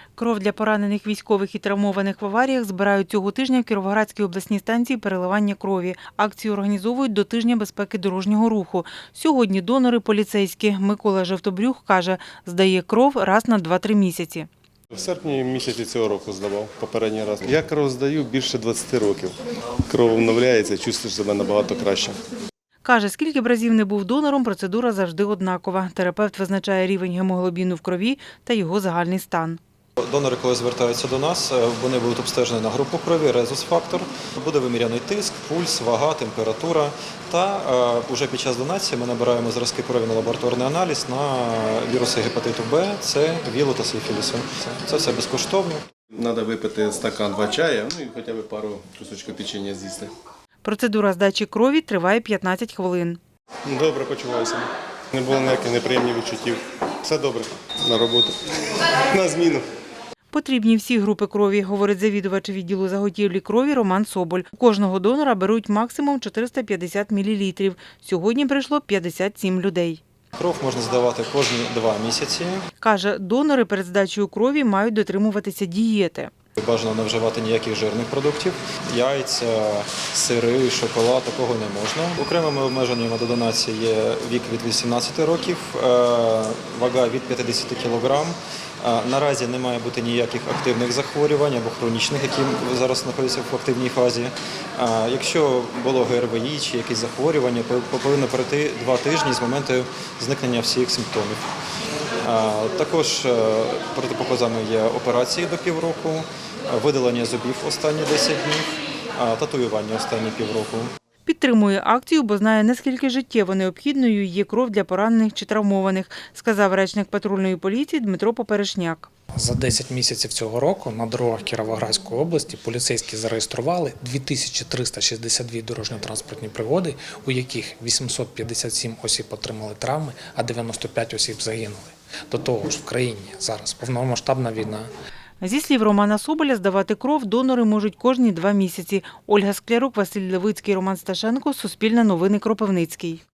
Кров для поранених військових і травмованих в аваріях збирають цього тижня в Кіровоградській обласній станції переливання крові. Акцію організовують до Тижня безпеки дорожнього руху. Сьогодні донори поліцейські. Микола Жовтобрюх каже, здає кров раз на 2-3 місяці. В серпні місяці цього року здавав попередній раз. Я кров здаю більше 20 років. Кров обновляється, чувствуєш себе набагато краще. Каже, скільки б разів не був донором, процедура завжди однакова. Терапевт визначає рівень гемоглобіну в крові та його загальний стан. Донори, коли звертаються до нас, вони будуть обстежені на групу крові, резус-фактор, буде виміряний тиск, пульс, вага, температура. Та вже під час донації ми набираємо зразки крові на лабораторний аналіз на віруси гепатиту Б, С, ВІЛу та сифілісу. Це все безкоштовно. Треба випити стакан 2 чаю, і хоча б пару кусочків печення з'їсти. Процедура здачі крові триває 15 хвилин. Добре почуваюся. Не було ніяких неприємних відчуттів. Все добре. На роботу. На зміну. Потрібні всі групи крові, говорить завідувач відділу заготівлі крові Роман Соболь. У кожного донора беруть максимум 450 мл. Сьогодні прийшло 57 людей. Кров можна здавати кожні 2 місяці. Каже, донори перед здачею крові мають дотримуватися дієти. Бажано не вживати ніяких жирних продуктів, яйця, сири, шоколад, такого не можна. Окремими обмеженнями до донації є вік від 18 років, вага від 50 кг. Наразі не має бути ніяких активних захворювань або хронічних, які зараз знаходяться в активній фазі. Якщо було ГРВІ чи якісь захворювання, повинно пройти 2 тижні з моменту зникнення всіх симптомів. Також протипоказами є операції до півроку, видалення зубів останні 10 днів, татуювання останні півроку. Підтримує акцію, бо знає, наскільки життєво необхідною є кров для поранених чи травмованих, сказав речник патрульної поліції Дмитро Поперешняк. За 10 місяців цього року на дорогах Кіровоградської області поліцейські зареєстрували 2362 дорожньо-транспортні пригоди, у яких 857 осіб отримали травми, а 95 осіб загинули. До того ж, в країні зараз повномасштабна війна. Зі слів Романа Соболя, здавати кров донори можуть кожні 2 місяці. Ольга Склярук, Василь Левицький, Роман Сташенко, Суспільне новини, Кропивницький.